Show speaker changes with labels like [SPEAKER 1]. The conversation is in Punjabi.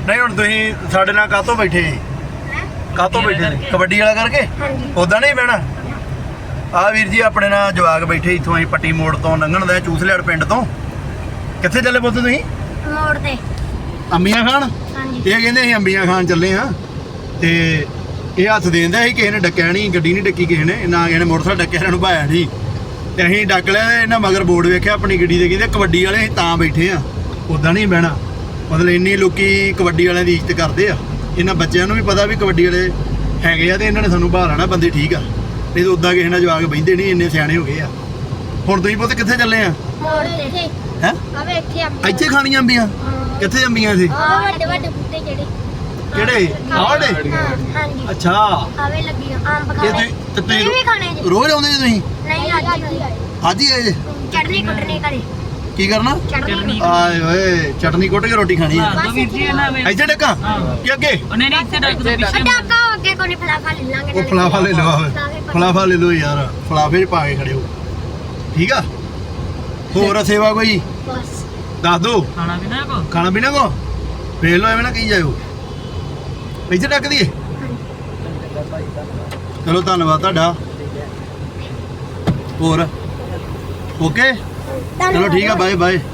[SPEAKER 1] नहीं हुण तुसीं साडे नाल काहतों बैठे जी काहतों बैठे जी कबड्डी वाला करके उदां नहीं बहना आ वीर जी अपने नाल जवाक बैठे इत्थों असीं पट्टी मोड़ तो लंघण दे चूसलियाड़ पिंड तो कित्थे चले पुੱਤ तुसीं
[SPEAKER 2] मोड़ ते
[SPEAKER 1] अंबियां खान ये कहंदे असीं अंबियां खान चले हाँ ते ਇਹ ਹੱਥ ਦੇਂਦਾ ਸੀ ਕਿਸੇ ਨੇ ਡੱਕਿਆ ਨਹੀਂ ਗੱਡੀ ਨਹੀਂ ਡੱਕੀ ਕਿਸੇ ਨੇ ਨਾ ਕਿਸੇ ਨੇ ਮੋਟਰਸਾਈਕਲ ਡੱਕਿਆ ਇਹਨਾਂ ਨੂੰ ਭਾਇਆ ਨਹੀਂ ਤੇ ਅਸੀਂ ਡੱਕ ਲਿਆ ਇਹਨਾਂ ਮਗਰ ਬੋਰਡ ਵੇਖਿਆ ਆਪਣੀ ਗੱਡੀ ਦੇ ਕਹਿੰਦੇ ਕਬੱਡੀ ਵਾਲੇ ਅਸੀਂ ਤਾਂ ਬੈਠੇ ਆ ਉਦਾਂ ਨਹੀਂ ਬਹਿਣਾ ਮਤਲਬ ਇੰਨੀ ਲੋਕੀ ਕਬੱਡੀ ਵਾਲਿਆਂ ਦੀ ਇੱਜ਼ਤ ਕਰਦੇ ਆ ਇਹਨਾਂ ਬੱਚਿਆਂ ਨੂੰ ਵੀ ਪਤਾ ਵੀ ਕਬੱਡੀ ਵਾਲੇ ਹੈਗੇ ਆ ਤੇ ਇਹਨਾਂ ਨੇ ਸਾਨੂੰ ਬਾਹਰ ਆਣਾ ਬੰਦੇ ਠੀਕ ਆ ਨਹੀਂ ਤਾਂ ਉਦਾਂ ਕਿਸੇ ਨਾਲ ਜਵਾਕ ਬਹਿੰਦੇ ਨਹੀਂ ਇੰਨੇ ਸਿਆਣੇ ਹੋ ਗਏ ਆ ਹੁਣ ਤੁਸੀਂ ਪੁੱਤ ਕਿੱਥੇ ਚੱਲੇ ਆ
[SPEAKER 2] मोड़ ते
[SPEAKER 1] ਹੈ
[SPEAKER 2] आवे इत्थे
[SPEAKER 1] ਇੱਥੇ ਖਾਣੀਆਂ ਅੰਬੀਆਂ ਕਿੱਥੇ ਅੰਬੀਆਂ ਸੀ
[SPEAKER 2] ਵੱਡੇ ਵੱਡੇ ਬੂਟੇ ਜਿਹੜੇ
[SPEAKER 1] ਕਿਹੜੇ ਆੜੇ
[SPEAKER 2] हाँ जी
[SPEAKER 1] ਅੱਛਾ
[SPEAKER 2] ਆਵੇ ਲੱਗੀਆਂ ਆਮ
[SPEAKER 1] ਇਹ
[SPEAKER 2] ਖਾਣੇ
[SPEAKER 1] ਤੁਸੀਂ
[SPEAKER 2] ਵੀ ਖਾਣੇ ਜੀ
[SPEAKER 1] ਰੋਜ਼ ਆਉਂਦੇ ਜੀ ਤੁਸੀਂ
[SPEAKER 2] ਨਹੀਂ ਅੱਜ
[SPEAKER 1] ਅੱਜ ਹੀ ਆਏ ਜੀ
[SPEAKER 2] ਚਟਨੀ ਕੁੱਟਣੀ ਘਰੇ
[SPEAKER 1] ਕੀ ਕਰਨਾ
[SPEAKER 2] ਚਟਨੀ
[SPEAKER 1] ਆਏ ਓਏ ਚਟਨੀ ਕੁੱਟ ਕੇ ਰੋਟੀ ਖਾਣੀ ਆ
[SPEAKER 2] ਵੀਰ ਜੀ
[SPEAKER 1] ਇੱਥੇ ਡੱਕਾ ਕੀ ਅੱਗੇ
[SPEAKER 3] ਉਹਨੇ ਨਹੀਂ ਇੱਥੇ ਡੱਕ ਦੇ ਪਿੱਛੇ
[SPEAKER 2] ਡਾਕਾ ਅੱਗੇ ਕੋਈ ਫਲਾਫਾ ਲੈ ਲਾਂਗੇ
[SPEAKER 1] ਉਹ ਫਲਾਫਾ ਲੈ ਲਓ ਫਲਾਫਾ ਲੈ ਲਓ ਯਾਰ ਫਲਾਫੇ 'ਚ ਪਾ ਕੇ ਖੜੇ ਹੋ ਠੀਕ ਆ ਹੋਰ ਸੇਵਾ ਕੋਈ
[SPEAKER 2] ਬਸ
[SPEAKER 1] ਦੱਸ ਦੋ
[SPEAKER 3] ਖਾਣਾ ਪੀਣਾ ਕੋ
[SPEAKER 1] ਖਾਣਾ ਪੀਣਾ ਕੋ ਵੇਖ ਲਓ ਐਵੇਂ ਨਾ ਕਹੀ ਜਾਇਓ ਇੱਥੇ ਡੱਕ ਦਈਏ ਚਲੋ ਧੰਨਵਾਦ ਤੁਹਾਡਾ ਹੋਰ ਓਕੇ ਚਲੋ ਠੀਕ ਆ ਬਾਏ ਬਾਏ